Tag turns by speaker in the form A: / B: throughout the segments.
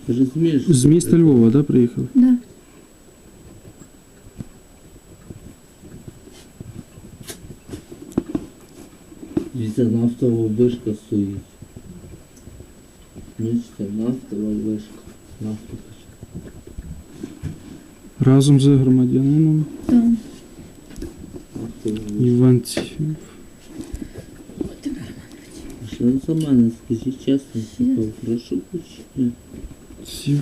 A: Розумієш?
B: З міста Львова, да, приїхали?
C: Да.
A: Дивіться, нафтова вишка стоїть. Бачите, нафтова вишка. Нафтова.
B: Разом з громадянином
C: Так.
A: Нафтова вишка.
B: Іванців.
A: А що за мене, скажіть чесно, типу, прошу почти.
B: Ців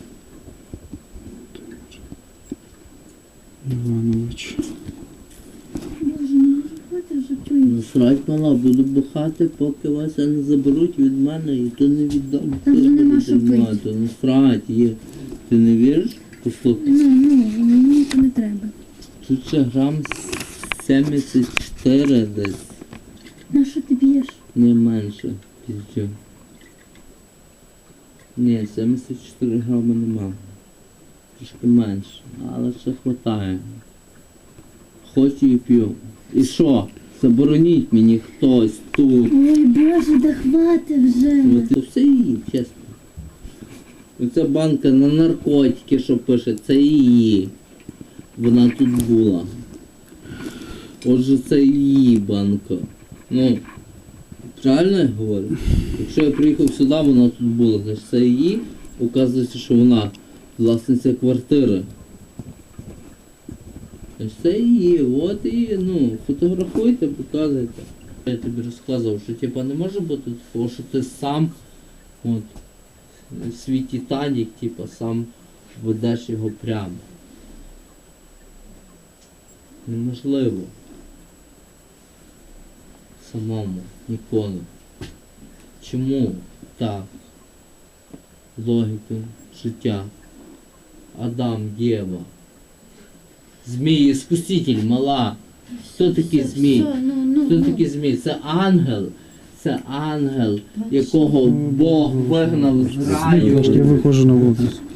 B: Іванович.
C: Боже, ну хватить вже чую.
A: Насрать, мала, буду бухати, поки вас не заберуть від мене, і то не віддам.
C: Там вже нема що
A: Нема,
C: пити.
A: то насрать є. Ти не віриш? Послухай.
C: Ну, мені це не треба.
A: Тут ще грам 74 десь,
C: На що ти б'єш?
A: не менше. Піздю. Ні, 74 грами нема. Трішки менше, але ще хватає. Хочу і п'ю. І що? Забороніть мені хтось тут.
C: Ой, Боже, да хватить вже.
A: Це все її, чесно. Оця банка на наркотики, що пише, це її. Вона тут була. Отже, це її банка. Ну, правильно я говорю? Якщо я приїхав сюди, вона тут була, значить це її. Оказується, що вона власниця квартири. Значить це її, от і, ну, фотографуйте, показуйте. Я тобі розказував, що типа не може бути такого, що ти сам, от, свій Титанік, типа, сам ведеш його прямо. Неможливо. Самому, ніколи. Чому так? Логіка життя. Адам, Єва. Змій, іскуситель, мала. Хто такий змій? Хто такий змій? Це ангел. Це ангел, якого Бог вигнав з
B: Я
A: раю.
B: виходжу на вулицю.